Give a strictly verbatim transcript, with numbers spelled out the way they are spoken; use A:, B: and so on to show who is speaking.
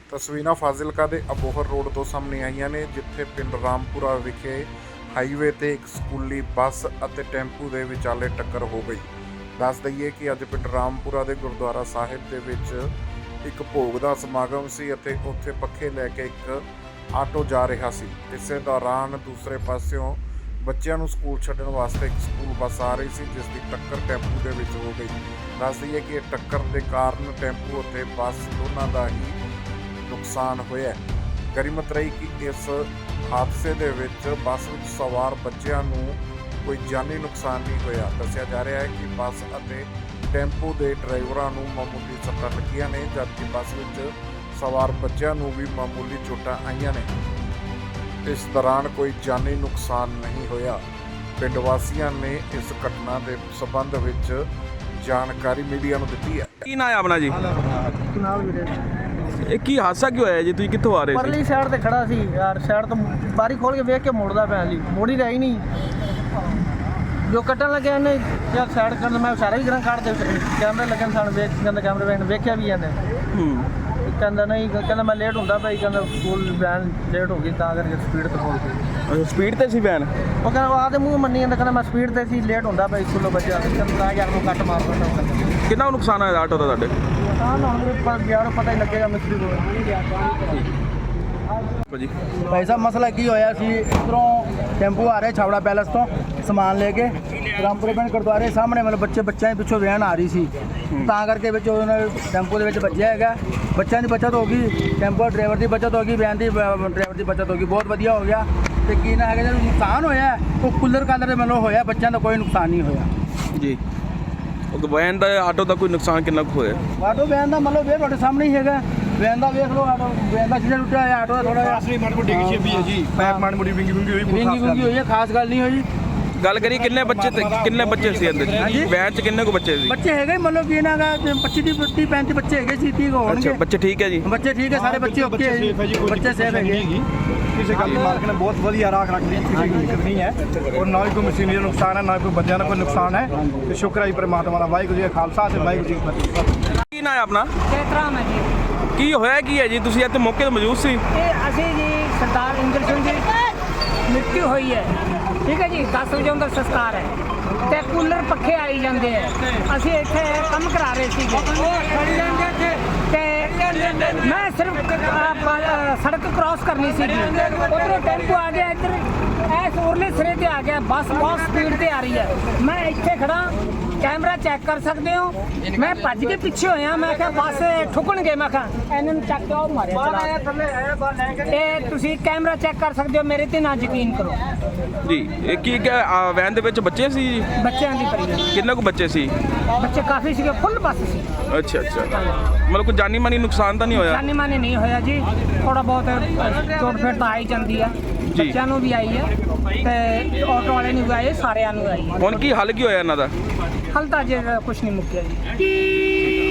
A: ਤਸਵੀਰਾਂ ਫਾਜ਼ਿਲਕਾ ਦੇ ਅਬੋਹਰ ਰੋਡ ਤੋਂ ਸਾਹਮਣੇ ਆਈਆਂ ਨੇ, ਜਿੱਥੇ ਪਿੰਡ ਰਾਮਪੁਰਾ ਵਿਖੇ ਹਾਈਵੇ ਤੇ ਇੱਕ ਸਕੂਲੀ ਬੱਸ ਅਤੇ ਟੈਂਪੂ ਦੇ ਵਿਚਾਲੇ ਟੱਕਰ ਹੋ ਗਈ। ਦੱਸ ਦਈਏ ਕਿ ਅੱਜ ਪਿੰਡ ਰਾਮਪੁਰਾ ਦੇ ਗੁਰਦੁਆਰਾ ਸਾਹਿਬ ਦੇ ਵਿੱਚ ਇੱਕ ਭੋਗ ਦਾ ਸਮਾਗਮ ਸੀ ਅਤੇ ਉੱਥੇ ਪੱਖੇ ਲੈ ਕੇ ਇੱਕ ਆਟੋ ਜਾ ਰਿਹਾ ਸੀ। ਇਸੇ ਦੌਰਾਨ ਦੂਸਰੇ ਪਾਸਿਓਂ ਬੱਚਿਆਂ ਨੂੰ ਸਕੂਲ ਛੱਡਣ ਵਾਸਤੇ ਇੱਕ ਸਕੂਲ ਬੱਸ ਆ ਰਹੀ ਸੀ, ਜਿਸ ਦੀ ਟੱਕਰ ਟੈਂਪੂ ਦੇ ਵਿੱਚ ਹੋ ਗਈ। ਦੱਸ ਦਈਏ ਕਿ ਇਹ ਟੱਕਰ ਦੇ ਕਾਰਨ ਟੈਂਪੂ ਅਤੇ ਬੱਸ ਦੋਨਾਂ ਦਾ ਹੀ ਨੁਕਸਾਨ ਹੋਇਆ। ਗਰੀਮਤ ਰਹੀ ਕਿ ਇਸ ਹਾਦਸੇ ਦੇ ਵਿੱਚ ਬੱਸ ਵਿੱਚ ਸਵਾਰ ਬੱਚਿਆਂ ਨੂੰ ਕੋਈ ਜਾਨੀ ਨੁਕਸਾਨ ਨਹੀਂ ਹੋਇਆ। ਦੱਸਿਆ ਜਾ ਰਿਹਾ ਹੈ ਕਿ ਬੱਸ ਅਤੇ ਟੈਂਪੂ ਦੇ ਡਰਾਈਵਰਾਂ ਨੂੰ ਮਾਮੂਲੀ ਸੱਟਾਂ ਲੱਗੀਆਂ ਨੇ, ਜਦਕਿ ਬੱਸ ਵਿੱਚ ਸਵਾਰ ਬੱਚਿਆਂ ਨੂੰ ਵੀ ਮਾਮੂਲੀ ਚੋਟਾਂ ਆਈਆਂ ਨੇ। ਇਸ ਦੌਰਾਨ ਕੋਈ ਜਾਨੀ ਨੁਕਸਾਨ ਨਹੀਂ ਹੋਇਆ। ਪਿੰਡ ਵਾਸੀਆਂ ਨੇ ਇਸ ਘਟਨਾ ਦੇ ਸਬੰਧ ਵਿੱਚ ਜਾਣਕਾਰੀ ਮੀਡੀਆ ਨੂੰ ਦਿੱਤੀ ਹੈ।
B: ਕੀ ਨਾਂ ਹੈ ਆਪਣਾ ਜੀ?
C: ਨਾਲ ਵੀਰੇ
B: ਇਹ ਕੀ ਹਾਦਸਾ ਕਿਉਂ ਹੋਇਆ ਜੀ? ਤੁਸੀਂ ਕਿੱਥੋਂ ਆ ਰਹੇ ਸੀ?
C: ਪਰਲੀ ਸਾਈਡ ਤੇ ਖੜਾ ਸੀ ਯਾਰ, ਸਾਈਡ ਤੋਂ ਬਾਰੀ ਖੋਲ ਕੇ ਵੇਖ ਕੇ ਮੁੜਦਾ ਪਿਆ ਸੀ, ਮੋੜੀ ਰਹੀ ਨਹੀਂ। ਜੋ ਕੱਟਣ ਲੱਗਿਆ ਇਹਨੇ ਯਾਰ ਸਾਈਡ ਕਰਨ, ਮੈਂ ਸਾਰਾ ਹੀ ਗਰਾਂ ਕੱਢ ਦੇ ਕੈਮਰੇ ਲੱਗਣ ਸਨ, ਵੇਖ ਕਹਿੰਦਾ ਕੈਮਰੇ ਵੇਖ ਵੇਖਿਆ ਵੀ ਇਹਨੇ।
B: ਹੂੰ
C: ਕਹਿੰਦਾ ਨਹੀਂ, ਕਹਿੰਦਾ ਮੈਂ ਲੇਟ ਹੁੰਦਾ ਭਾਈ, ਕਹਿੰਦਾ ਸਕੂਲ ਵੈਨ ਲੇਟ ਹੋ ਗਈ ਤਾਂ ਕਰਕੇ ਸਪੀਡ ਤੇ ਪਹੁੰਚ ਗਈ।
B: ਅੱਛਾ, ਸਪੀਡ ਤੇ ਸੀ ਵੈਨ?
C: ਉਹ ਕਹਿੰਦਾ ਆ ਤੇ ਮੂੰਹ ਮੰਨੀ ਜਾਂਦਾ, ਕਹਿੰਦਾ ਮੈਂ ਸਪੀਡ ਤੇ ਸੀ, ਲੇਟ ਹੁੰਦਾ ਭਾਈ ਸਕੂਲੋਂ ਬੱਚਿਆ। ਕਹਿੰਦਾ ਯਾਰ ਨੂੰ ਕੱਟ ਮਾਰ ਦਿੰਦਾ।
B: ਕਿੰਨਾ ਕੁ ਨੁਕਸਾਨ ਹੋਇਆ ਆਟੋ ਦਾ ਤੁਹਾਡੇ?
C: ਹਾਂ ਨਾ ਹੁਣ ਯਾਰ ਪਤਾ ਹੀ ਲੱਗੇਗਾ ਮਿਸਤਰੀ ਕੋਲ।
B: ਭਾਜੀ
D: ਭਾਈ ਸਾਹਿਬ ਮਸਲਾ ਕੀ ਹੋਇਆ ਸੀ, ਇੱਧਰੋਂ ਟੈਂਪੂ ਆ ਰਿਹਾ ਛਾਵੜਾ ਪੈਲਸ ਤੋਂ ਸਮਾਨ ਲੈ ਕੇ ਰਾਮਪੁਰੇ ਪਿੰਡ ਗੁਰਦੁਆਰੇ ਸਾਹਮਣੇ, ਮਤਲਬ ਬੱਚੇ ਬੱਚਿਆਂ ਦੇ ਪਿੱਛੋਂ ਵੈਨ ਆ ਰਹੀ ਸੀ, ਤਾਂ ਕਰਕੇ ਵਿੱਚ ਉਹਨਾਂ ਟੈਂਪੂ ਦੇ ਵਿੱਚ ਵੱਜਿਆ ਹੈਗਾ। ਬੱਚਿਆਂ ਦੀ ਬਚਤ ਹੋ ਗਈ, ਟੈਂਪੂ ਡਰਾਈਵਰ ਦੀ ਬਚਤ ਹੋ ਗਈ, ਵੈਨ ਦੀ ਡਰਾਈਵਰ ਦੀ ਬਚਤ ਹੋ ਗਈ, ਬਹੁਤ ਵਧੀਆ ਹੋ ਗਿਆ। ਤੇ ਕੀ ਨਾ ਹੈਗਾ ਜਿਹੜਾ ਨੁਕਸਾਨ ਹੋਇਆ ਉਹ ਕੂਲਰ ਕਾਲਰ ਦੇ ਮਤਲਬ ਹੋਇਆ, ਬੱਚਿਆਂ ਦਾ ਕੋਈ ਨੁਕਸਾਨ ਨਹੀਂ ਹੋਇਆ
B: ਜੀ। ਉਹ ਵੈਨ ਦਾ ਆਟੋ ਦਾ ਕੋਈ ਨੁਕਸਾਨ ਕਿੰਨਾ ਕੁ ਹੋਇਆ?
D: ਆਟੋ ਵੈਨ ਦਾ ਮਤਲਬ ਵੇ ਤੁਹਾਡੇ ਸਾਹਮਣੇ ਹੀ ਹੈਗਾ, ਵੈਨ ਦਾ ਵੇਖ ਲਓ, ਆਟੋ ਵੈਨ ਦਾ ਜਿਹੜਾ ਟੁੱਟਿਆ ਹੋਇਆ, ਆਟੋ ਦਾ ਥੋੜਾ ਜਿਹਾ
E: ਅਸਲੀ ਮਾੜੀ ਮੋਟੀ ਡਿੱਗੀ ਵੀ ਹੈ ਜੀ, ਪੈਪ ਮਾੜੀ ਮੋਟੀ ਵਿੰਗੀ ਵਿੰਗੀ ਹੋਈ, ਕੋਈ
D: ਵਿੰਗੀ ਵਿੰਗੀ ਹੋਈ ਹੈ, ਖਾਸ ਗੱਲ ਨਹੀਂ ਹੋਈ।
B: ਗੱਲ ਕਰੀ ਕਿੰਨੇ ਬੱਚੇ ਤੇ ਕਿੰਨੇ ਬੱਚੇ ਸੀ ਅੰਦਰ? ਵੈਨ 'ਚ ਕਿੰਨੇ ਕੁ ਬੱਚੇ ਸੀ?
D: ਬੱਚੇ ਹੈਗੇ ਮਤਲਬ ਕਿ ਇਹਨਾਂ ਦਾ ਪੱਚੀ ਤੀਹ ਪੈਂਤੀ ਬੱਚੇ ਹੈਗੇ ਸੀ, ਤੀਹ ਹੋਣਗੇ।
B: ਅੱਛਾ, ਬੱਚੇ ਠੀਕ ਹੈ ਜੀ?
D: ਬੱਚੇ ਠੀਕ ਹੈ, ਸਾਰੇ ਬੱਚੇ ਓਕੇ ਹੈ ਜੀ, ਬੱਚੇ ਸੇਫ ਹੈਗੇ।
E: ਕਿਸੇ ਗੱਲ ਦੀ ਮਾਲਕ ਨੇ ਬਹੁਤ ਵਧੀਆ ਰਾਖ ਰੱਖ ਲਈ, ਕਿਸੇ ਦੀ ਦਿੱਕਤ ਨਹੀਂ ਹੈ, ਔਰ ਨਾ ਹੀ ਕੋਈ ਮਸ਼ੀਨਰੀ ਦਾ ਨੁਕਸਾਨ ਹੈ, ਨਾ ਕੋਈ ਬੰਦਿਆਂ ਦਾ ਕੋਈ ਨੁਕਸਾਨ ਹੈ। ਤੇ ਸ਼ੁਕਰ ਹੈ ਜੀ ਪਰਮਾਤਮਾ ਦਾ, ਵਾਹਿਗੁਰੂ ਜੀ ਦਾ ਖਾਲਸਾ ਤੇ ਵਾਹਿਗੁਰੂ ਜੀ ਕੀ ਫਤਿਹ।
B: ਕੀ ਨਾਂ ਹੈ ਆਪਣਾ?
F: ਜੈਤਰਾਮ ਹੈ ਜੀ।
B: ਕੀ ਹੋਇਆ ਕੀ ਹੈ ਜੀ? ਤੁਸੀਂ ਇੱਥੇ ਮੌਕੇ ਤੇ ਮੌਜੂਦ ਸੀ?
F: ਇਹ ਅਸੀਂ ਜੀ ਸਰਦਾਰ ਇੰਦਰ ਸਿੰਘ ਜੀ ਮ੍ਰਿਤੂ ਹੋਈ ਹੈ, ਠੀਕ ਹੈ ਜੀ। ਦਸ ਵਜੇ ਉਹਦਾ ਸੰਸਕਾਰ ਹੈ ਤੇ ਕੂਲਰ ਪੱਖੇ ਆਈ ਜਾਂਦੇ ਹੈ। ਅਸੀਂ ਇੱਥੇ ਕੰਮ ਕਰਾ ਰਹੇ ਸੀ ਤੇ ਮੈਂ ਸਿਰਫ ਸੜਕ ਕ੍ਰਾਸ ਕਰਨੀ ਸੀ, ਉਧਰੋਂ ਟੈਂਪੂ ਆ ਗਿਆ, ਇੱਧਰ ਇਸ ਉਰਲੇ ਸਿਰੇ ਤੇ ਆ ਗਿਆ, ਬੱਸ ਬਹੁਤ ਸਪੀਡ ਤੇ ਆ ਰਹੀ ਹੈ। ਮੈਂ ਇੱਥੇ ਖੜਾ, ਕੈਮਰਾ ਚੈੱਕ ਕਰ ਸਕਦੇ ਹੋ, ਮੈਂ ਭੱਜ ਕੇ ਪਿੱਛੇ ਹੋਇਆ, ਮੈਂ ਕਿਹਾ ਬੱਸ ਠੁਕਣਗੇ, ਮੈਂ ਕਿਹਾ ਇਹਨਾਂ ਨੂੰ ਚੱਕ ਕੇ ਉਹ ਮਾਰਿਆ ਚਲਾ। ਤੇ ਤੁਸੀਂ ਕੈਮਰਾ ਚੈੱਕ ਕਰ ਸਕਦੇ ਹੋ, ਮੇਰੇ ਤੇ ਨਾ ਯਕੀਨ ਕਰੋ
B: ਜੀ। ਇਹ ਕੀ ਕਿਹਾ ਵੈਨ ਦੇ ਵਿੱਚ ਬੱਚੇ ਸੀ ਜੀ?
F: ਬੱਚਿਆਂ ਦੀ ਪਰੀ
B: ਕਿੰਨੇ ਕੁ ਬੱਚੇ ਸੀ?
F: ਬੱਚੇ ਕਾਫੀ ਸੀਗੇ, ਫੁੱਲ ਬੱਸ ਸੀ।
B: ਅੱਛਾ ਅੱਛਾ, ਮਤਲਬ ਕੋਈ ਜਾਨੀ ਮਾਨੀ ਨੁਕਸਾਨ ਤਾਂ ਨਹੀਂ ਹੋਇਆ?
F: ਜਾਨੀ ਮਾਨੀ ਨਹੀਂ ਹੋਇਆ ਜੀ, ਥੋੜਾ ਬਹੁਤ ਚੋਟ ਫੇਟ ਤਾਂ ਆਈ ਜਾਂਦੀ ਹੈ, ਬੱਚਿਆਂ ਨੂੰ ਵੀ ਆਈ ਹੈ ਤੇ ਆਟੋ ਵਾਲੇ ਨੂੰ ਵੀ ਆਈ ਹੈ, ਸਾਰਿਆਂ ਨੂੰ ਆਈ ਹੈ।
B: ਹੁਣ ਕੀ ਹੱਲ ਕੀ ਹੋਇਆ ਇਹਨਾਂ ਦਾ?
F: ਹਲ ਤਾਂ ਜੇ ਕੁਛ ਨਹੀਂ ਮੁੱਕਿਆ ਜੀ।